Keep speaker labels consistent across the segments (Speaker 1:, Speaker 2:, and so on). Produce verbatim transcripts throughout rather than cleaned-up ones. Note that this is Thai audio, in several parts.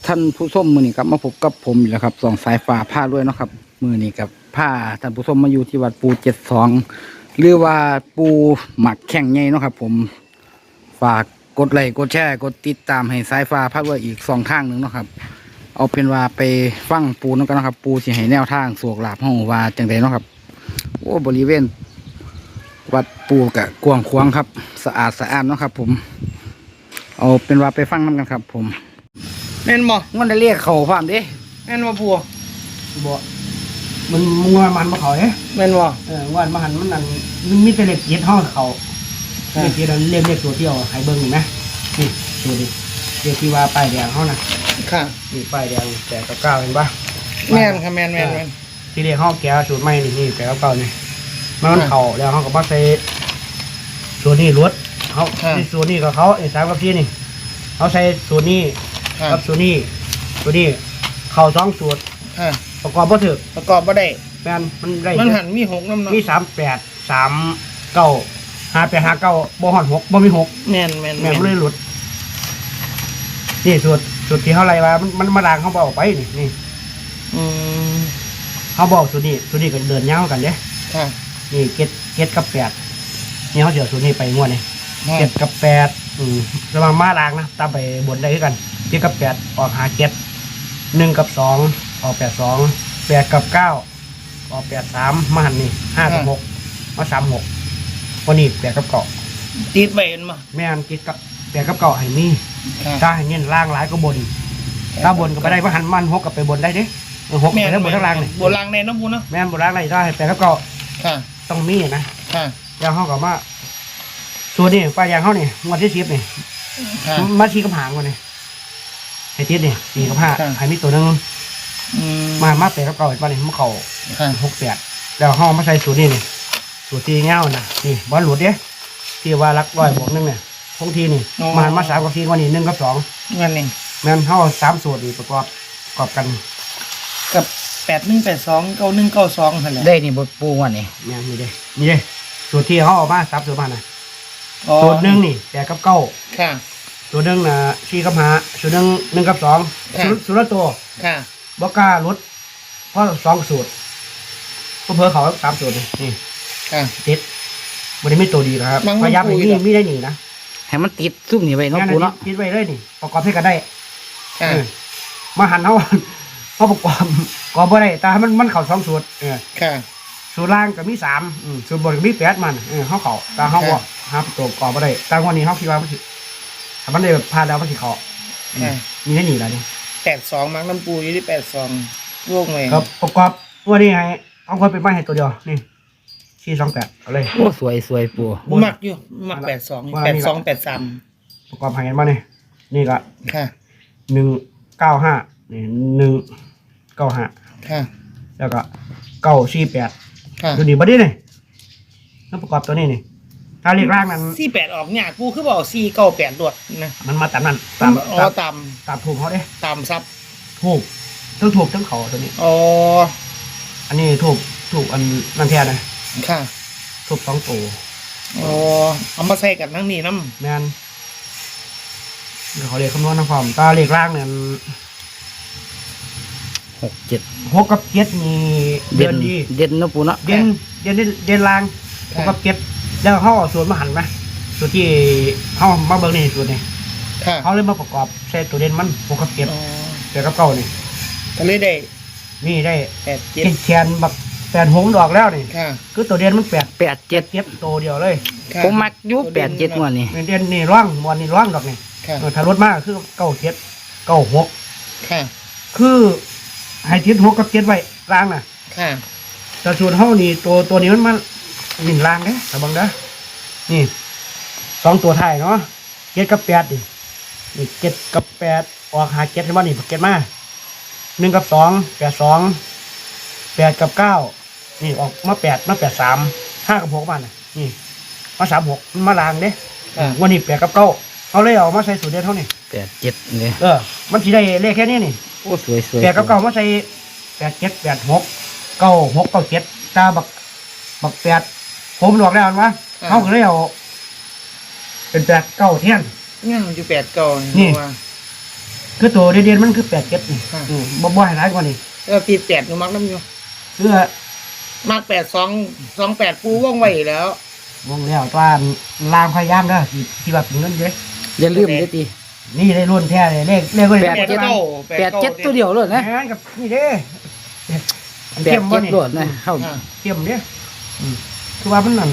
Speaker 1: ท่านผู้ชมมือนี้ครับมาพบกับผมอีกแล้วครับสองสายฟ้าผ้าด้วยเนาะครับมือนี้กับผ้าท่านผู้ชมมาอยู่ที่วัดปูเจ็ดสองหรือว่าปูหมักแข่งใหญ่เนาะครับผมฝากกดไลค์กดแชร์กดติดตามให้สายฟ้าผ้าด้วยอีกสองทางหนึ่งเนาะครับเอาเป็นว่าไปฟังปูนั่นกันนะครับปูสิให้แนวทางสวกหลาบห้องว่าจังไดเนาะครับโอ้บริเวณวัดปูกะกวางขวางครับสะอาดสะอาดเนาะครับผมเอาเป็นว่าไปฟังน้ำกันครับผม
Speaker 2: แม่นบ่
Speaker 1: มันได้เรียกเขาความเด้
Speaker 2: แม่นบ่พัว
Speaker 3: บ่มันมัวมันมาเขาเอ๊ะ
Speaker 2: แม่นบ่
Speaker 3: เออวันมาหันมันนั่นมันมีแต่เล็กเย็ดห้องเขาเล็กเย็ดเรียกเรียกตัวเที่ยวไห้เบิ้งอยู่ไหมนี่ตัวนี้เรียกที่ว่าป้ายแดงเขานะ
Speaker 2: ค่ะ
Speaker 3: นี่ป้ายแดงแต่กับเก้าเห็นปะ
Speaker 2: แม่นค่ะแม่นแม่นแม่น
Speaker 3: ที่เรียกห้องแก้วสูตรใหม่นี่นี่แต่กับเก้านี่มันเขาแล้วเขาก็มาใส่สูตรนี้รวดเขาที่สูตรนี้กับเขาไอ้สามกับพี่นี่เขาใส่สูตรนี้กับสูตรนี้สูตรนี้เข่าสองสูตรประกอบบ่ถึก
Speaker 2: ประกอบบ่ได้
Speaker 3: แม่นมันได้
Speaker 2: มันหันมีหกน้ำเนาะ
Speaker 3: มีสามแปดสามเก้าห้าแปดห้าเก้าบ่หอดหกบ่มีหก
Speaker 2: แม่นแม่น
Speaker 3: แม่นบ่เลยหลุดนี่สูตรสูตรที่เขาไล่ว่ามันมันมาด่างเขาบอกไปนี่นี่
Speaker 2: อืม
Speaker 3: เขาบอกสูตรนี้สูตรนี้ก็เดินยาวกันเด้
Speaker 2: ค่ะ
Speaker 3: นี่เจ็ดเจ็ดกับแปดนี่เขาเดี๋ยวสูตรนี้ไปงวดนี่เจ็ดกับแปดอืมระวังมาด่างนะตามไปบนได้ด้วยกันเจ็ดกับแปดออกหาเจ็ดหนึ่งกับสองออกแปดสองแปดกับเก้าออกแปดสามมาหันนี่ห้ากับหกมาสามหกวันนี้แปดกับเก้า
Speaker 2: ติดไปเห็นมั้ย
Speaker 3: แม่นติดกับแปดกับเก้าให้มีถ้าให้เน้นล่างหลายก็บนถ้าบนก็ไปได้ว่าหันมันหกกับไปบนได้เด้หกไปทั้งบนทั้งล่างเลย
Speaker 2: บนล่างในน้ำปูเนาะ
Speaker 3: แม่นบนล่างในได้แปดกับเก้าต้องมีนะแล้วเขากับว่าส่วนนี้ปลายยางเขาเนี่ยวันที่สิบเนี่ยมาชีกับหางวันนี้ไอ้ทิศเนี่ยสี่กับห้าไอ้มีตัวนึงมามาแปดกับเก้าอีกวันนี้มันเข่าหกแปดแล้วห้องมาใส่สูตรนี่นี่สูตรตีเงานะนี่บอลหลุดเนี่ยที่ว่ารักร้อยบวกนึงเนี่ยพงทีนี่มามาสามกับสี่วันนี้หนึ่งกับสอง
Speaker 2: นั่นเอง
Speaker 3: แม่นห้าสามสูตรประกอบประกอบกัน
Speaker 2: กับแปดหนึ่งแปดสองเก้าหนึ่งเก้าสองนั่นแหละ
Speaker 1: ได้นี่บทปูวันนี้
Speaker 3: แม่นนี่เด้นี่เด้สูตรที่เขาออกมาสามสูตรมานะสูตรหนึ่งนี่แปดกับเก้า
Speaker 2: ค่ะ
Speaker 3: สูตรหนึ่งนะสี่กับห้าสูตรหนึ่งหนึ่งกับสองสูตรละตัว
Speaker 2: ค่ะ
Speaker 3: บอกกล้าลดเพราะสองสูตรก็เพิ่มเขาสามสูตรนี่
Speaker 2: ค่ะ
Speaker 3: ติดมันไม่ตัวดีนะครับพยายามไม่มีไม่ได้หนีนะ
Speaker 1: ให้มันติดซุ่มนี่ไว้เนาะปูเนาะ
Speaker 3: ติดไว้เลยนี่ประกอบให้กันได้มาหันเขาเขาประกอบกอบบ่ได้แต่มันมันเข่าสองสูตรเออ
Speaker 2: ค่ะ
Speaker 3: สูตรล่างก็มีสามสูตรบนก็มีแปดมันเออเขาเข่าแต่เขาว่าหาตัวกอบบ่ได้แต่วันนี้เขาคิดว่ามันสิถ้ามันได้พลาดแล้วมันสิเข่ามีได้หนีแล้วนี่
Speaker 2: แปดสองมักน้ำปูอยู่ที่แปดสองโล่งเลย
Speaker 3: ครับประกอบตัวนี้ให้เอาคนเป็นไม้ให้ตัวเดียวนี่สี่สองแปดเอาเลย
Speaker 1: โอ้สวยสวยปู
Speaker 2: มักอยู่มักแปดสองแปดสองแปดสาม
Speaker 3: ประกอบให้กันมาเนี่ยนี่ก็
Speaker 2: ค่ะ
Speaker 3: หนึ่งเก้าห้านี่หนึ่งเก้าห้า
Speaker 2: ค่ะ
Speaker 3: แล้วก็เก้าสี่แปด
Speaker 2: ค่ะ
Speaker 3: ดูดีบัดนี้นี่ต้องประกอบตัวนี้นี่ถ้าเรียกร่างนั้น
Speaker 2: สี่แปดออกเนี่ยกูคือบอกสี่เก้าแปดดวดนะ
Speaker 3: มันมาตามนั้น
Speaker 2: ตามอ๋อตาม
Speaker 3: ตามถูกเขาเด้
Speaker 2: ตามซับ
Speaker 3: ถูกทั้งถูกทั้งเขาตัวนี้
Speaker 2: อ๋อ
Speaker 3: อันนี้ถูกถูกอันนั่นแท้นะ
Speaker 2: ค่ะ
Speaker 3: ถูกสองตัว
Speaker 2: อ๋อเอามาใส่กับนั่งนี่น้ำ
Speaker 3: แมนเขาเรียกคำนวณนะพร้อมตาเรียกร่างเนี่ย
Speaker 1: หกเจ็ด
Speaker 3: หกกับเจ็ดมี
Speaker 1: เด่นดีเด่นนะปูเนาะ
Speaker 3: เด่นเด่นเด่นล่างหกกับเจ็ดแล้วเขาเอาส่วนมาหันไหมส่วนที่เขามาเบิ้งนี่ส่วนนี้เขาเลยมาประกอบใช้ตัวเด่นมันหกกับเจ็ดแต่กับเก้านี่
Speaker 2: ก็เลยได้
Speaker 3: นี่ได้
Speaker 2: แปดเจ็ด
Speaker 3: แขนบักแปดหงดอกแล้วนี่คือตัวเด่นมันแปด
Speaker 1: แปดเจ็ด
Speaker 3: เจ็ดตัวเดียวเลย
Speaker 1: ผมมักยุแปดเจ็ดวันนี้
Speaker 3: เด่นนี่ร่องวันนี้ร่องดอกนี่ถ้ารถมากคือเก้าเจ็ดเก้าหกคือให้ทิศหกกับเจ็ดไว้ล่างน่ะแต่ส่วนเท่านี้ตัวตัวนี้มันมันหนึ่งล่างเด้แต่บางเด้อนี่สองตัวไทยเนาะเจ็ดกับแปดดินี่เจ็ดกับแปดออกหาเจ็ดให้มันนี่เจ็ดมาหนึ่งกับสองแปดสองแปดกับเก้านี่ออกมาแปดมาแปดสามห้ากับหกมันนี่มาสามหกมาล่างเด้วันนี้แปดกับเก้าเขาเลยเอามาใส่สูตรเดียวเท่านี้
Speaker 1: แปดเจ็ดเนี่ย
Speaker 3: เออมันสีได้เลขแค่นี้นี่
Speaker 1: โอ้สวยสวย
Speaker 3: แปดกับเก้ามาใส่แปดเจ็ดแปดหกเก้าหกเก้าเจ็ดตาบักบักแปดผมหลอกแล้ววะเขาก็เลยเอาเป็นแปดเก้าเทียน
Speaker 2: เนี่ยมันอยู่แปดเก้า
Speaker 3: นี่คือตัวเด่นๆมันคือแปดเจ็ดนี่อืมบ่บ่ให้ร้ายกว่านี้
Speaker 2: แล้วตีแปดหนูมักน้ำอยู่
Speaker 3: เพื่อ
Speaker 2: มักแปดสองสองแปดปูว่องไวแล้ว
Speaker 3: วงแล้วตัวลางพยายามเด้อที่ที่ว่าเป็นเงินเด้
Speaker 1: อย่าลืมเด้อติ
Speaker 3: นี่ได้รุ่นแท้เลยเลขเลขก็
Speaker 1: แป
Speaker 3: ได้
Speaker 1: ดเจ็ด
Speaker 2: เก้า
Speaker 1: แปดเจ็ดตัวเดียวเลยนะ
Speaker 3: แม่นกับนี่เด้
Speaker 1: แปดเจ็ดโดดนะเข้า
Speaker 2: อ่า
Speaker 3: เข้มเด้อืมคือว่ามันนั่น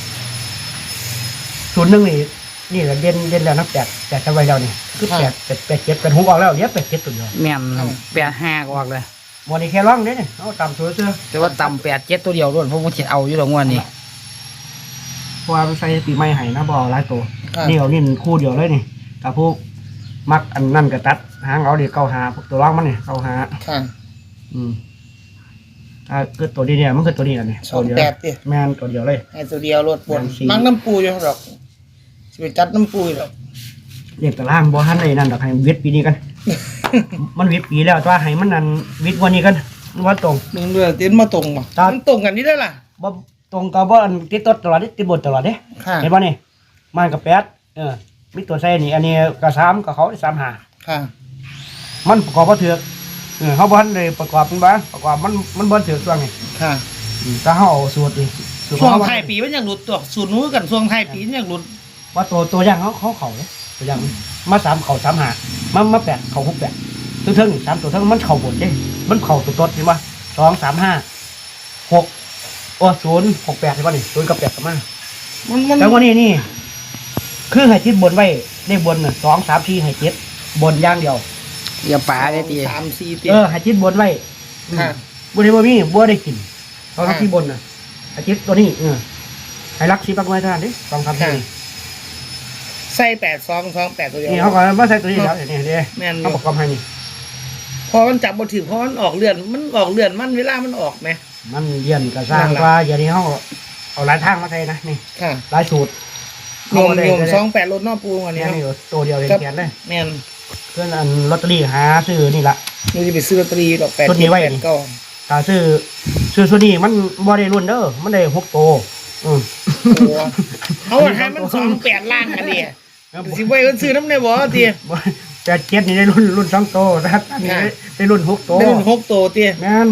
Speaker 3: ศูนย์หนึ่งนี่นี่แหละเด่นเด่นแล้วนะแปดแปดจะไว้แล้วนี่คือแปดแปดแปดเจ็ดเป็นหูออกแล้วเดี๋ยวแปดเจ็ดตัวเดียว
Speaker 1: แม่นแปดห้าก็ออกเลย
Speaker 3: วันนี้แค่ร้องเด้เนี่ยเอาต่ำตัวเสื้อ
Speaker 1: แต่ว่าต่ำแปดเจ็ดตัวเดียวด้วยผมก็คิดเอาอยู่ดอกงวดนี้
Speaker 3: เพราะว่ามันใส่ปีใหม่ให้นะบอหลายตัว
Speaker 2: อ่า
Speaker 3: นี่เอานี่คู่เดียวเลยนี่กับพวกมักอันนั่นก็ตัดหางเอาเดี๋ยวเก้าหาพวกตัวร้องมันนี่เก้าหา
Speaker 2: ค่ะ
Speaker 3: อืมอ่าคือตัวนี้เนี่ยมันคือตัวนี้แหละนี่
Speaker 2: สอง
Speaker 3: ตัวเดียว
Speaker 2: แปดดิ
Speaker 3: แม่นตัวเดียวเลย
Speaker 2: ให้ตัวเดียวรถบน
Speaker 3: แปดสี่
Speaker 2: มักน้ำปูอยู่หรอกจะไปจัดน้ำปูอยู่หรอก
Speaker 3: เรียกตารางบ่ทันเลยนั่นดอกให้วิทย์ปีนี้กัน มันวิทย์ปีแล้วแตัวาให้มันนั่นวิทย์วันนี้กันว่าตรง
Speaker 2: มึงเรือเต้นมาตรงป่ะ
Speaker 3: ครับ
Speaker 2: มันตรงกันนี่ได้ล่ะ
Speaker 3: บ่ตรงกับบ่อันติดต้นตลอดติดบทตลอดเด้
Speaker 2: ค่ะ
Speaker 3: เห็นบ่นี่มันกับแปดเออมีตัวใส่นี่อันนี้ก็สามกับเขาสามหา
Speaker 2: ค่ะ
Speaker 3: มันประกอบบ่ถือกเออเฮาบ่ทันได้ประกอบมันบ่ประกอบมันมันบ่ถือกช่วงนี้
Speaker 2: ค่ะ
Speaker 3: อืมถ้าเฮาเอาสูตรนี่สูตร
Speaker 2: ช่วง
Speaker 3: เฮา
Speaker 2: ไทายปีมันยังหลุดตัวสูตรนู้นกันช่วงไทายปีมันยังหลุด
Speaker 3: ว่าตัวตัวอย่างเขาเขาเขาเด้ตัวอย่างมาสามเขาสามหามามาแปดเขาหกแปดตัวเทิงนี่สามตัวเทิงมันเข้าบทเด้มันเข้าตัวต้นเห็นบ่สองสามห้าหกโอ้ศูนย์หกแปดเห็นบ่นี่ศูนย์กับแปดกับมา
Speaker 2: มันมัน
Speaker 3: แล้ววันนี้นี่ คือให้จิตบนไว้เลขบนน่ะสองสามสี่ให้จิตบนอย่างเดียว
Speaker 1: อย่าป่าได้ตี
Speaker 2: สามสี่ตี
Speaker 3: เออให้จิตบนไว้
Speaker 2: ค่ะ
Speaker 3: บัได้บ่มีบัได้กินสองสามสี่บนน่ะให้จิตตัวนี้เออให้รักสีปักไว้เท่านั้นดิสองสามสี่
Speaker 2: ใส่แปดสองสองแปดตัวเดียว
Speaker 3: นี่เขาก็มาใส่ตัวนี้แล้วนี่เด้
Speaker 2: แม่นอยู่
Speaker 3: เขาประกอบให้นี่
Speaker 2: พอมันจับบทถือเพราะมันออกเลือนมันออกเลือนมันเวลามันออกไหม
Speaker 3: มันเรียนก็สร้าง
Speaker 2: นั่นล่ะ
Speaker 3: ว่าอย่างนี้เขาเอาหลายทางมาใส่นะนี่
Speaker 2: ค่ะ
Speaker 3: หลายสูตร
Speaker 2: รวม
Speaker 3: เาได้
Speaker 2: รวม
Speaker 3: ได้
Speaker 2: สองแปดรถนอกปูวันนี้
Speaker 3: แค่
Speaker 2: เนาะ
Speaker 3: นี้ตัวเดียวเลย
Speaker 2: ครับ
Speaker 3: เขียนเลย
Speaker 2: แม่น
Speaker 3: เพื่อนอันลอตเตอรี่หาซื้อนี่ละ
Speaker 2: เราจะไปซื้อลอตเตอรี่ดอกแปด
Speaker 3: ชุดนี้ไว้
Speaker 2: แปดเก้า
Speaker 3: ถ้าซื้อซื้อส่วนนี้มันบ่ได้รุ่นเด้อมันได้หกโตวอืม
Speaker 2: โอ้เอาอะให้มันสองแปดล่างกันดิสิไว้ก็ซื้อน้ำในบ่อตี
Speaker 3: บ่แต่เจ็ดนี่ได้รุ่นรุ่นสองโตวนะครับอันนี้
Speaker 2: ค่ะ
Speaker 3: ได้ได้รุ่นหกโตว
Speaker 2: ได้เป็นหกตัวตี
Speaker 3: แม่น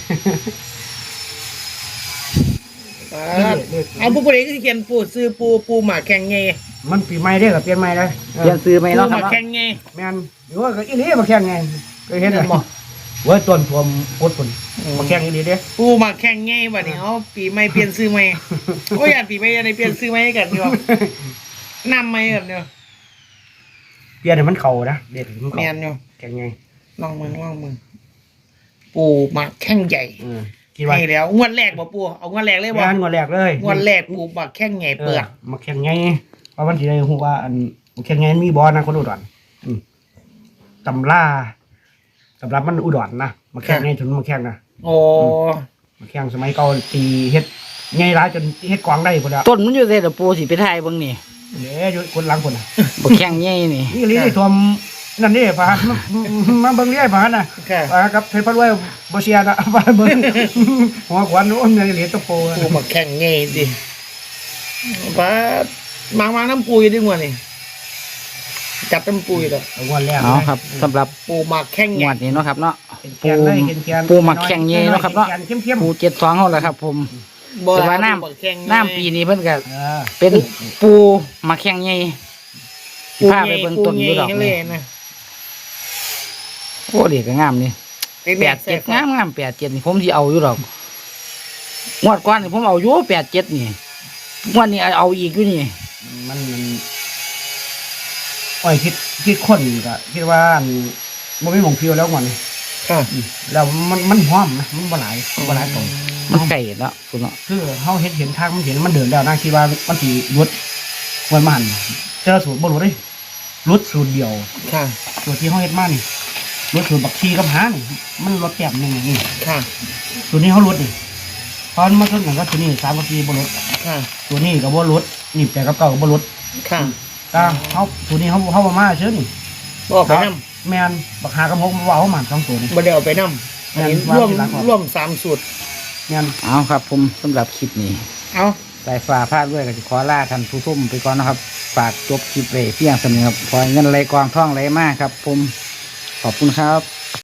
Speaker 2: เอาผู้บริหารที่เขียนปูซื้อปูปูหมาแข่งไง
Speaker 3: มันปีใหม่เด้อกับเปลี่ยนใหม่เลยเออ
Speaker 1: เรียนซื้อไหม
Speaker 2: ปู
Speaker 1: เนาะ
Speaker 2: ห
Speaker 1: ครั
Speaker 2: มา
Speaker 1: บ
Speaker 2: แข่งไง
Speaker 3: แม่นหรือว่าก็อีนี่มาแข่งไงเคยเห็น
Speaker 2: เห็นบ่
Speaker 3: บ่เว้ยต้นผมกดผลมาแข่งอีนี่เด้
Speaker 2: ปูหมาแข่งไงบัดนี้เอาปีใหม่เปลี่ยนซื้อใหม่โอ้ยอยากปีใหม่อยากได้เปลี่ยนซื้อใหม่ให้กันดีกว่านำใหม่กันเดียว
Speaker 3: เปลี่ยนให้มันเข้านะเด็ดให้มัน
Speaker 2: แม
Speaker 3: เข้าน
Speaker 2: อยู่
Speaker 3: แข่งไง
Speaker 2: ลองมึงลองมึงปูหมาแข่งใหญ่
Speaker 3: เออคิดว่า
Speaker 2: ให้แล้วงวดแรกบ่ปูเอางวดแรกเลยบ่
Speaker 3: งานงวดแรกเลย
Speaker 2: งวดแรกปูหมาแข่งใหญ่เปิด
Speaker 3: ออมาแข่งไงเพราะมันสิได้ฮู้ว่าอันมาแข่งไงมันมีบ่นะคนอุดรอืมตำราสำหรับมันอุดรนะมาแข่งไงถึงมาแข่งนะ
Speaker 2: โอ้
Speaker 3: มาแข่งสมัยเก่าตีเฮ็ดไงร้ายจนเฮ็ดกวางได้พุ่นละ
Speaker 1: ต้นมันอยู่เสร็จปูสิไปถ่ายเบิ่งนี่
Speaker 3: เด้อยู่คนหลังพุ่นน่ะ
Speaker 1: บ่แข่งใหญ่นี่
Speaker 3: นี่ลีได้ทวมนั่นนี่พามามาเบิ่งนี่พาน่ะ
Speaker 2: ค่ะ
Speaker 3: พากับเพชรพัดไว้บ่เสียนะ พาเบิ่งหัวขวัญโอ้ยมีเหรียญตะโพ
Speaker 2: ปูหมาแข่งใหญ่ดิป้ามามาน้ำปูอยู่ด้วยงวดนี่จับน้ำปูอยู่ดอก
Speaker 3: เอางวดแรก
Speaker 1: เอาครับสำหรับ
Speaker 2: ปูหมาแข่ง
Speaker 1: ง
Speaker 2: ใหญ่
Speaker 1: วดนี้เนาะครับเนาะ
Speaker 3: ปู
Speaker 1: ปูหมักแข่งเย่เนาะครับเนาะ
Speaker 3: เข้มๆ
Speaker 1: ปูเจ็ดสองเฮาแหละครับ ผม
Speaker 2: บ่
Speaker 1: แต่ว่าน้
Speaker 2: ปูหมักแข่งใหญ่
Speaker 1: ำน้ำปีนี้เพิ่นก็
Speaker 3: เออ
Speaker 1: เป็นปูมาแข่งใหญ่
Speaker 2: ปู
Speaker 1: พาไปเบิ่งต้นอยู่ดอก
Speaker 2: ปูใหญ่
Speaker 1: นี่
Speaker 2: เลยนะ
Speaker 1: โอ้เด็กก็งามนี่
Speaker 2: เป็น
Speaker 1: แปดเจ็ดงามงามแปดเจ็ดนี่ผมสิเอาอยู่ดอกงวดก่อนนี่ผมเอาอยู่แปดเจ็ดนี่งวดนี้เอาอีกอยู่นี่
Speaker 3: มันมันโอ้ยคิดคิดคนก็คิดว่าอันบ่มีหม่องเพียวแล้วก่อนนี่
Speaker 2: ค่ะ
Speaker 3: แล้วมันมันหอมนะมันบ่หลายมันบ่หลายตรง
Speaker 1: มันไก่เนาะคุณเนาะ
Speaker 3: คือเฮาเห็นเห็นทางมันเห็นมันเดินแล้วนะคิดว่ามันสิหยุดมันมาหันเจอสูตรบ่รู้เด้รุดสูตรเดียว
Speaker 2: ค่ะ
Speaker 3: สูตรที่เฮาเฮ็ดมานี่รุดสูตรบักชีกับหานี่มันลดแต้มหนึงนี่
Speaker 2: ค่ะ
Speaker 3: สูตรนี้เฮาลดนี่ตอนมาต้นกันก็ตัวนี้สามกับสี่บ่ลด
Speaker 2: ค่ะ
Speaker 3: ตัวนี้ก็บ่ลดนี่แปดกับเก้าก็บ่ลด
Speaker 2: ค่ะ
Speaker 3: ตาเฮาตัวนี้เฮาเฮาบ่มาเชื่อนี่
Speaker 2: บ่เอาไปน้
Speaker 3: แม่นบักหากับหกมันว่าเฮามันสองตัวนี่
Speaker 2: ำบ่ได้เอาไปน้ำอันนี้
Speaker 3: แม่น
Speaker 2: ร่วม
Speaker 3: วางที่หลังออก
Speaker 2: ร่วมสามสูตร
Speaker 3: แม่น
Speaker 1: เอาครับผมสำหรับคลิปนี้
Speaker 2: เอา
Speaker 1: สายฟ้าพลาดด้วยก็จะขอลาท่านผู้ชมไปก่อนนะครับ ฝากจบคลิปเลยเพียงสำนึกครับขอให้เงินไหลกองท่องไหลมากครับ ผมขอบคุณครับ